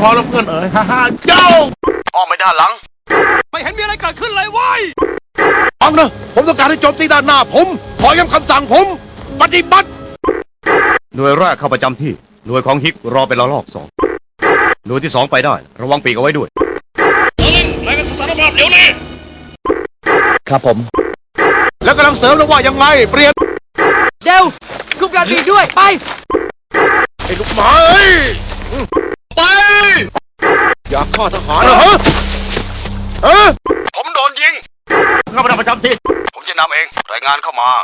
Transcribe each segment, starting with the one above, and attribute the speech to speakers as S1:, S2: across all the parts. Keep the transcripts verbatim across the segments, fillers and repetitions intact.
S1: พอแล้วเพื่อนเอ๋ยฮ่าฮ่าเจ้า
S2: อ้อมไปด้านหลัง
S3: ไม่เห็นมีอะไรเกิดขึ้นเลยเว้ย
S1: ฟังนะผมต้องการให้โจมตีด้านหน้าผมขอย้ำคำสั่งผมปฏิบัติ
S4: หน่วยแรกเข้าประจำที่หน่วยของฮิกรอเป็นระลอกสองหน่วยที่สองไปได้ระวังปีกเอาไว้ด้วย
S2: เออลิงรายงานสถานภาพเดี๋ยวนี้
S4: ครับผม
S1: แล้วกำลังเสริมแล้วว่ายังไงเปลี่ยน
S3: เดี๋ยวคุมการบินด้วยไป
S1: ไอ้ลูกหมาเอ้ย
S2: ไป
S1: อยากฆ่าทหารเหรอฮะฮะ
S2: ผมโดนยิง
S4: เข้าประจำที่
S2: ผมจะนำเองรายงานเข้ามา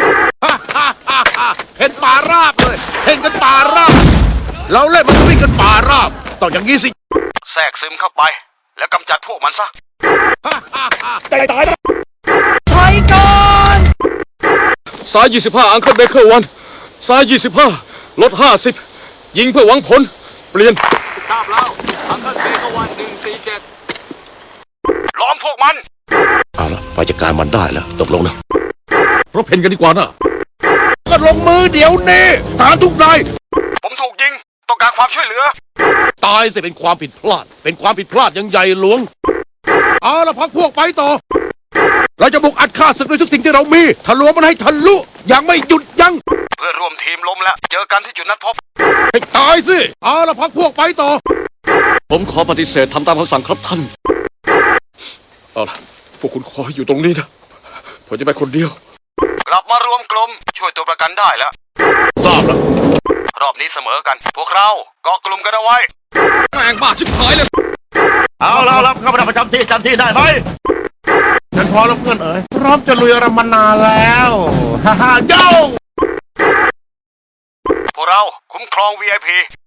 S1: เห็นป่าราบเลยเห็นกันป่าราบเราเล่นมันวิ่งกันป่าราบต้องอย่างนี้สิ
S2: แทรกซึมเข้าไปแล้วกำจัดพวกมันซะ
S1: ตายตาย
S3: ถอยก่อน
S5: ซ้ายยี่สิบห้าอังเคิลเบเกอร์วันซ้ายยี่สิบห้าลดห้าสิบยิงเพื่อหวังผลเปลี่ยน
S3: ทราบแล้วอังเคิลเบเกอร์วันหนึ่งสี่เจ็ด
S2: ล้อมพวกมัน
S1: เอาละไปจัดการมันได้แล้วตกลงนะ
S5: รบเพ่นกันดีกว่านะ
S1: ก็ลงมือเดี๋ยวนี้ทหารทุกนาย
S2: ผมถูกยิงต้องการความช่วยเหลือ
S1: ตายสิเป็นความผิดพลาดเป็นความผิดพลาดยังใหญ่หลวงเอาละพักพวกไปต่อเราจะบุกอัดฆ่าศึกด้วยทุกสิ่งที่เรามีทะลวงมันให้ทะลุอย่างไม่หยุดยั้ง
S2: เพื่อร่วมทีมล้มแล้วเจอกันที่จุดนัดพบ
S1: ให้ตายสิเอาละพักพวกไปต่อ
S5: ผมขอปฏิเสธทำตามคำสั่งครับท่านเอาล่ะพวกคุณขออยู่ตรงนี้นะผมจะไปคนเดียว
S2: กลับมารวมกลุ่มช่วยตัวประกันได้แล้ว
S1: ทราบแล้ว
S2: รอบนี้เสมอกันพวกเราเกาะกลุ่มกันเอาไว้
S5: แม่งบ้าชิบหายเลย
S4: เอาแล้วครับเข้าประจำที่จำที่ได้ไหม
S1: ฉันพอแล้วเพื่อนเอ๋ยพร้อมจะลุยรำมานานแล้วฮ่าฮ่าเจ้า
S2: พวกเราคุ้มครอง วี ไอ พี